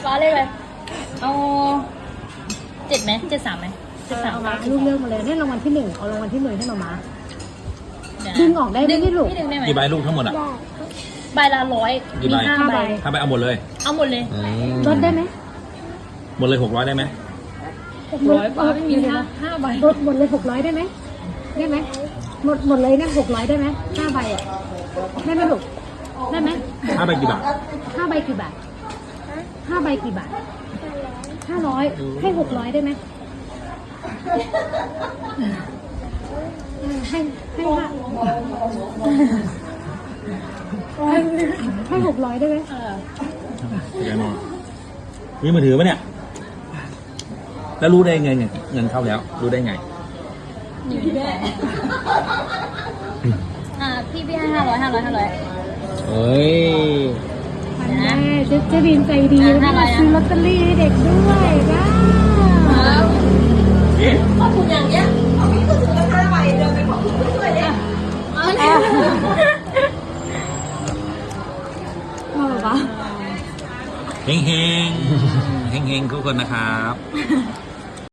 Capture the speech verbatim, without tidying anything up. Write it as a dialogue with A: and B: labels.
A: ว้าเลยไปเอาเจ็ดไหมเจ็ดสามไหมเจ็ดสาม
B: เอามาลูกเลือกมาเลยให้รางวัลที่หนึ่งเอารางวัลที่หนึ่งให้มามา
A: เยว
B: ดึงออกได้ไหมพี่ลูก
A: ดึงได้ไหม
C: กี่ใบลูกทั้งหมดอ่ะ
A: ใบละร้อย
C: กี่
A: มี
C: ใบ
A: ห้าใบ
C: ถ้าไปเอาหมดเลย
A: เอาหมดเลย
C: อืม
B: ลดได้ไหม
C: หมดเลยหกร้อยได้ไหม
A: ร้อยป้าไม่มีห้าห้าใบ
B: ลดหมดเลยหกร้อยได้ไหมได้ไหมหมดหมดเลยนะหกร้อยได้ไหมห้าใบอ่ะได้ไหมลูกได้ไหม
C: ถ้าไปกี่บาท
B: ห้าใบกี่บาทห้าใบกี่บาทห้าร้อยให้หกร้อยได้ไหมเออให้ให้ห้าให้ให้หกร้อยได้ไหม
A: เออ
C: เดี๋ยวมองมีมือถือปะเนี่ย แล้วรู้ได้ไงเงินเงินเข้าแล้ว รู้ได้ไง
A: อยู่แม่อ่าพี่พี่ให้ห้าร้อยห้าร้อยห้าร้อย
C: เฮ้ย
B: อันแม่เจ๊เจ๊ดินใจดี
A: อ่ะ
B: นะ
A: ห้าร้อยนะ
B: ซื้อลอตเตอรี่ให้เด็กด้วยนะ
D: ขอบคุณอย่างเงี้ยของพี่ก็ซื้อละห้าใบเดินไปของคุณด้วยเนี่ย
B: มาแบบว่า
C: เฮงเฮงเฮงเฮงทุกคนนะครับ